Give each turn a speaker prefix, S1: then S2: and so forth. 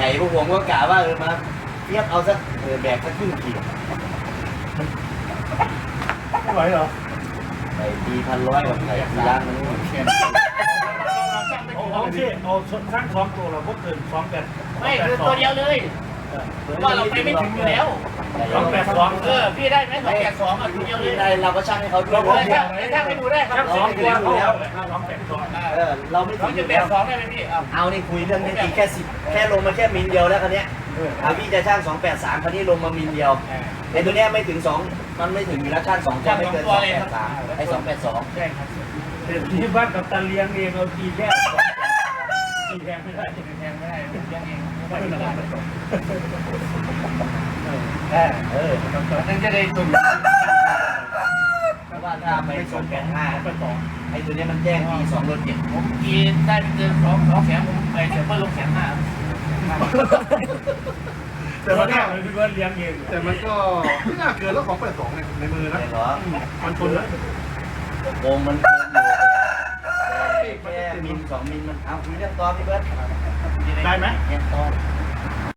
S1: พวกผมก็กะว่ามาเทียบเอาสักแบกสักครึ่งขีด
S2: ไม่ไหวเหรอ
S1: ไก่ตี1,100กับไก่ตีล้านมันแค่
S2: โอเคเอาสร้าง2 ตัวเราพวกเกิน2 แบบ
S3: ไม่คือตัวเดียวเลยว่าเราไปไม่ถึงอยู่แล้ว
S2: 282
S3: พี่ได้ไหม282อ่ะตัวเดียวเลย
S1: ได้เราก็ช่างให้เขาดู
S3: เรา
S1: ว่า
S3: ถ้าไม่ดูได้ครับ
S2: 2 ตัว282
S1: เราไม่
S3: สอ
S1: ถึ
S3: ง
S1: งอ
S3: จุด
S1: ยู่
S3: แป
S1: แล้ว
S3: ดสองได้ไหมพี่
S1: เอานี่คุยเรื่องนี้ตีแค่10แค่ลงมาแค่มิลเดียวแล้วคันนี้พี่จะช่าง283คันนี้ลงมามิลเดียวไอ้ตัวเนี้ยไม่ถึง2มันไม่ถึงอยู่แล้วช่าง2ตัวไม่เกิน283ไอ้282
S3: ใช่ครับ
S2: ที่บ้านกับตาเลี้ยงเองเราตีแค่ตีแทงไม่ได้
S3: แทงไม่ได้ยังเองไม่ได้ นั่นจะได้ตุน
S1: เพราะว่าถ้าไป285ไอ้ตัวเนี้ยมันแจ้งปี2รถเจ็ด
S3: ผมกินได้เป็นเดือน2แสนผมไปเดี๋ยวเพิ่มลง1,500,000
S2: แต่ว่าเนี่ยมันคือว่าเลี้ยงเอง
S4: แต่มันก็ไม่น่าเกินแล้วของ82เนี่ยในมือนะ
S1: เหรอ
S4: มันชนแล้ว
S1: โกงมันเกินอยู่แค่มิล2มิลมันเอาคุยเรื่องตอนพี่เบิร์ด
S2: ได้ไหม
S1: เนี่ยตอน